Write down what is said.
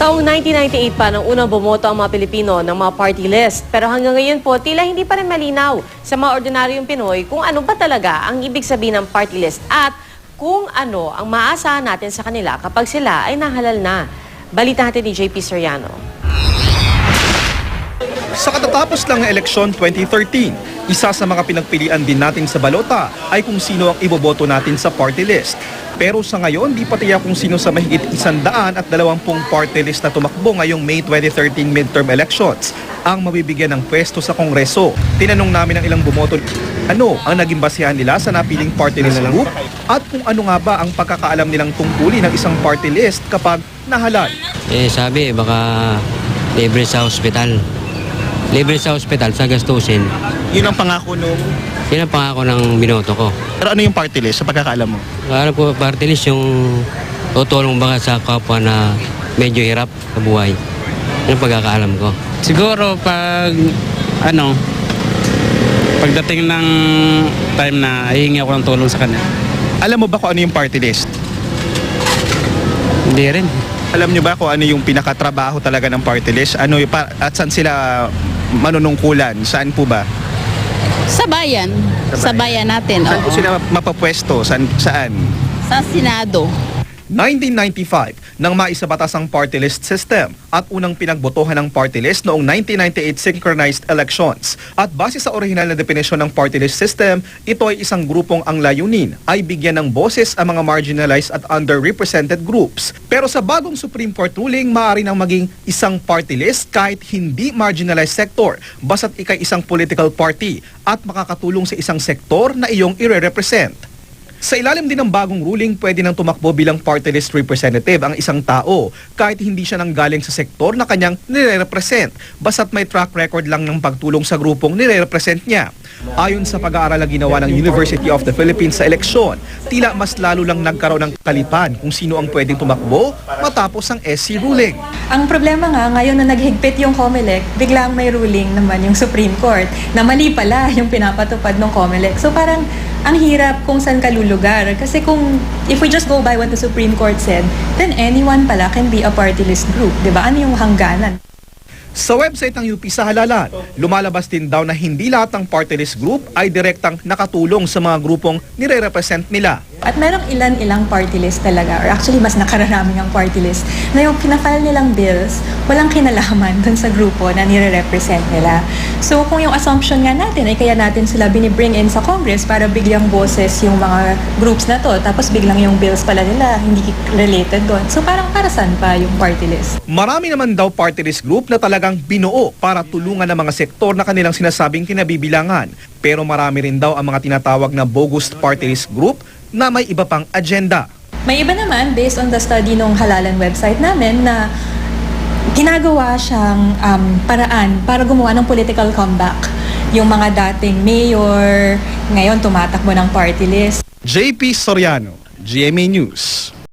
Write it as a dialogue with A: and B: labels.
A: Taong 1998 pa nang unang bumoto ang mga Pilipino ng mga party list. Pero hanggang ngayon po, tila hindi pa rin malinaw sa mga ordinaryong Pinoy kung ano ba talaga ang ibig sabihin ng party list at kung ano ang maaasahan natin sa kanila kapag sila ay nahalal na. Balita natin ni JP Soriano.
B: Sa katatapos lang ng eleksyon 2013, isa sa mga pinagpilian din natin sa balota ay kung sino ang iboboto natin sa party list. Pero sa ngayon, di pa tiyak kung sino sa mahigit 120 party list na tumakbo ngayong May 2013 midterm elections ang mabibigyan ng pwesto sa Kongreso. Tinanong namin ang ilang bumoto ano ang naging basihan nila sa napiling party list group at kung ano nga ba ang pagkakaalam nilang tungkulin ng isang party list kapag nahalal.
C: Sabi, baka libre sa ospital. Libre sa ospital, sa gastusin.
B: Yun ang pangako nung...
C: Yan ang pangako ng binoto ko.
B: Pero ano yung party list sa pagkakaalam mo?
C: Alam ko, party list yung tutulong baka sa kapwa na medyo hirap sa buhay. Yan ang pagkakaalam ko.
D: Siguro pagdating ng time na hihingi ako ng tulong sa kanya.
B: Alam mo ba kung ano yung party list?
D: Hindi rin.
B: Alam nyo ba kung ano yung pinakatrabaho talaga ng party list? At saan sila manunungkulan? Saan po ba?
E: Sa bayan. Sa bayan natin.
B: Saan po
E: Oo.
B: sila mapapwesto? Saan?
E: Sa Senado.
B: 1995 nang maisabatas ang party list system at unang pinagbotohan ng party list noong 1998 synchronized elections. At base sa orihinal na definisyon ng party list system, ito ay isang grupong ang layunin ay bigyan ng boses ang mga marginalized at underrepresented groups. Pero sa bagong Supreme Court ruling, maaari nang maging isang party list kahit hindi marginalized sector, basta't ikay isang political party at makakatulong sa isang sektor na iyong ire-represent. Sa ilalim din ng bagong ruling, pwede nang tumakbo bilang party list representative ang isang tao kahit hindi siya nanggaling sa sektor na kanyang nire-represent, basta't may track record lang ng pagtulong sa grupong nire-represent niya. Ayon sa pag-aaral na ginawa ng University of the Philippines sa eleksyon, tila mas lalo lang nagkaroon ng kalipan kung sino ang pwedeng tumakbo matapos ang SC ruling.
F: Ang problema nga, ngayon na naghigpit yung COMELEC, biglang may ruling naman yung Supreme Court na mali pala yung pinapatupad ng COMELEC. So parang ang hirap kung saan ka lulugar. Kasi if we just go by what the Supreme Court said, then anyone pala can be a party list group. Diba? Ano yung hangganan?
B: Sa website ng UP sa halalan, lumalabas din daw na hindi lahat ng party list group ay direktang nakatulong sa mga grupong nire-represent nila.
F: At merong ilan-ilang party list talaga, or actually mas nakararaming ang party list, na yung pinafile nilang bills, walang kinalaman dun sa grupo na nire-represent nila. So kung yung assumption nga natin ay kaya natin sila binibring in sa Congress para bigyang boses yung mga groups na to, tapos biglang yung bills pala nila hindi related doon. So parang para saan pa yung party list?
B: Marami naman daw party list group na talagang binuo para tulungan ng mga sektor na kanilang sinasabing kinabibilangan. Pero marami rin daw ang mga tinatawag na bogus party list group na may iba pang agenda.
F: May iba naman, based on the study nung Halalan website namin, na ginagawa siyang paraan para gumawa ng political comeback. Yung mga dating mayor, ngayon tumatakbo ng party list.
B: JP Soriano, GMA News.